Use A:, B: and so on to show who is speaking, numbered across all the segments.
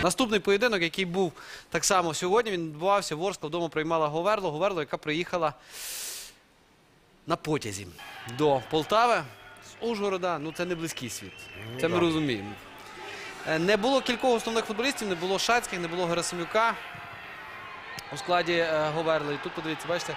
A: Наступний поєдинок, який був так само сьогодні, він відбувався. Ворскла вдома приймала Говерлу. Говерлу, яка приїхала на потязі до Полтави з Ужгорода. Ну, це не близький світ. Це ми розуміємо. Не було кількох основних футболістів, не було Шацьких, не було Герасимюка у складі Говерли. І тут, подивіться, бачите,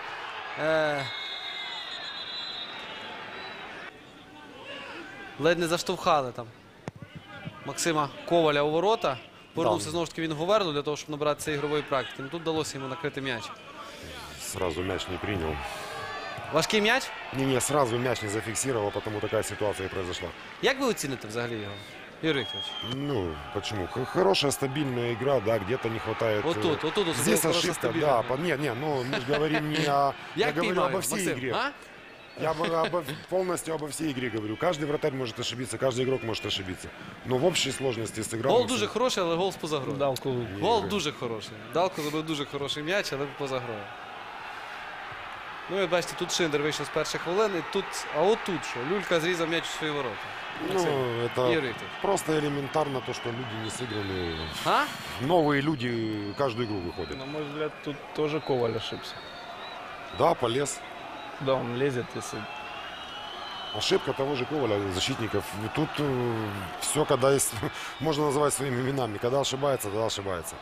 A: ледь не заштовхали там Максима Коваля у ворота. Повернувся знову ж таки він в Говерлу для того, щоб набратися ігрової практики. Ну, тут вдалося йому накрити м'яч.
B: Сразу мяч не принял.
A: Важкий м'яч?
B: Не, сразу мяч не зафиксировал, потому такая ситуация и произошла.
A: Як ви оціните взагалі його, Юрій Вікторович?
B: Ну, почему? Хорошая, стабильная игра, да, где-то не хватает.
A: Вот тут
B: Здесь
A: хорошая,
B: ошибка,
A: стабильная.
B: да. Ну, мы же говорим не о... Я говорю обо всей игре. Я полностью обо всей игре говорю. Каждый вратарь может ошибиться, каждый игрок может ошибиться. Но в общей сложности сыграл.
A: Гол дуже хороший, але гол поза грою.
C: Далку.
A: Гол дуже хороший. Далко забив дуже хороший м'яч, але поза грою. Ну, і бачите, тут Шиндер вийшов з перших хвилин, і тут, а отут що? Люлька зрізав м'яч у свої ворота.
B: Ну, это
A: Юрий Викторович.
B: просто элементарно то, что люди не сыграли.
A: А?
B: Новые люди каждую игру выходят.
C: На мой взгляд, тут тоже Коваль ошибся.
B: Да, полез.
C: Да, он лезет, если...
B: Ошибка того же Коваля, защитников. Тут все, когда есть, можно называть своими именами. Когда ошибается, тогда ошибается.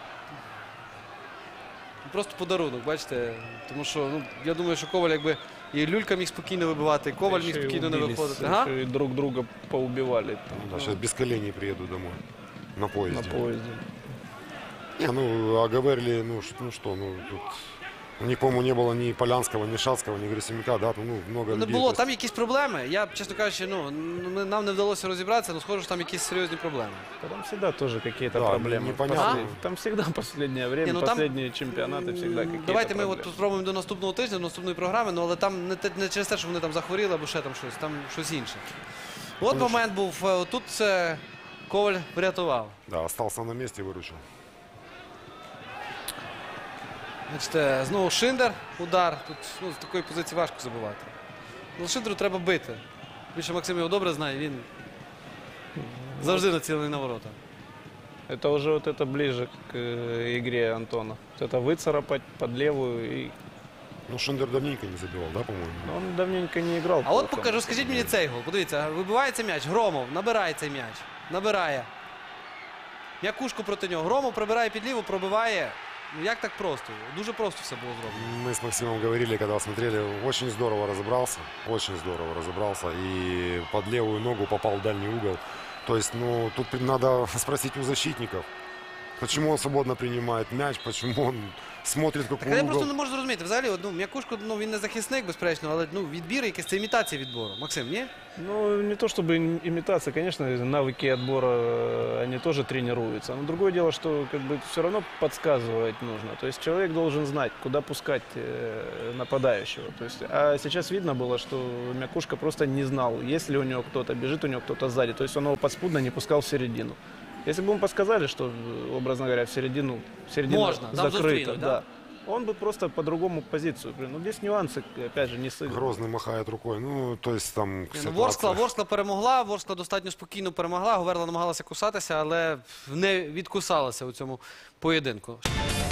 A: Просто подарунок, бачите. Тому що, ну, я думаю, що Коваль якби і Люлька міг спокійно вибивати, і Коваль міг
C: еще и
A: спокійно не
C: убились,
A: виходити.
C: еще и друг друга поубивали там,
B: Да, сейчас без коленей приеду домой. На поезде.
C: на поезде.
B: Не, ну, а говорили, ну, тут... У них, по-моему, не было ни Полянского, ни Шацкого, ни Герасимюка, да, ну, много
A: Не
B: людей.
A: було, там якісь проблеми. Я, чесно кажучи, ну, нам не вдалося розібратися, але схоже, що там якісь серйозні проблеми.
C: Там всегда тоже какие-то
B: Да,
C: проблемы.
B: непонятно.
C: Там всегда последнее время,
A: Не, ну там-
C: последние чемпионаты всегда какие-то
A: Давайте ми
C: проблемы.
A: от спробуємо до наступного тижня, до наступної програми, ну, але там не через те, що вони там захворіли або ще там щось, там щось інше. От момент був, тут Коваль врятував.
B: Да, остался на месте, выручил.
A: Бачите, знову Шиндер, удар. Тут з такої позиції важко забивати. Ну, Шиндеру треба бити. Більше Максим його добре знає, він завжди націлений на ворота.
C: Это уже вот это ближе к игре Антона. Вот это выцарапать под левую. И...
B: Ну, Шиндер давненько не забивал, да, по-моему?
C: Он давненько не играл.
A: А от
C: толком.
A: покажу, скажіть мені цей гол. Подивіться, вибивається м'яч, Громов набирає цей м'яч. Набирає. М'якушку проти нього. Громов прибирає під ліву, пробиває. Ну як так просто? Дуже просто все було зроблено.
B: Мы с Максимом говорили, когда смотрели, очень здорово разобрался. И под левую ногу попал в дальний угол. То есть, ну, тут надо спросить у защитников, почему он свободно принимает мяч, почему он смотрит,
A: Так
B: какой
A: я
B: угол.
A: просто не можу зрозуміти. Взагалі, ну, М'якушко, ну, він не захисник, безперечно, але ну, відбір якийсь, це імітація відбору. Максим, ні?
C: Ну, не то чтобы имитация, конечно, навыки отбора, они тоже тренируются. Но другое дело, что как бы все равно подсказывать нужно. То есть человек должен знать, куда пускать нападающего. То есть, а сейчас видно было, что Мякушка просто не знал, есть ли у него кто-то, бежит у него кто-то сзади. То есть он его подспудно не пускал в середину. Если бы ему подсказали, что, образно говоря, в середина
A: Можно, там
C: закрыта,
A: застрянуть, да?
C: да, он бы просто по-другому позицию. Ну, здесь нюансы, опять же, не сыграны.
B: Грозный махает рукой. Ну, то есть там
A: Ні, ну,
B: ситуация.
A: Ворскла перемогла, Ворскла достатньо спокійно перемогла, Говерла намагалася кусатися, але не відкусалася у цьому поєдинку.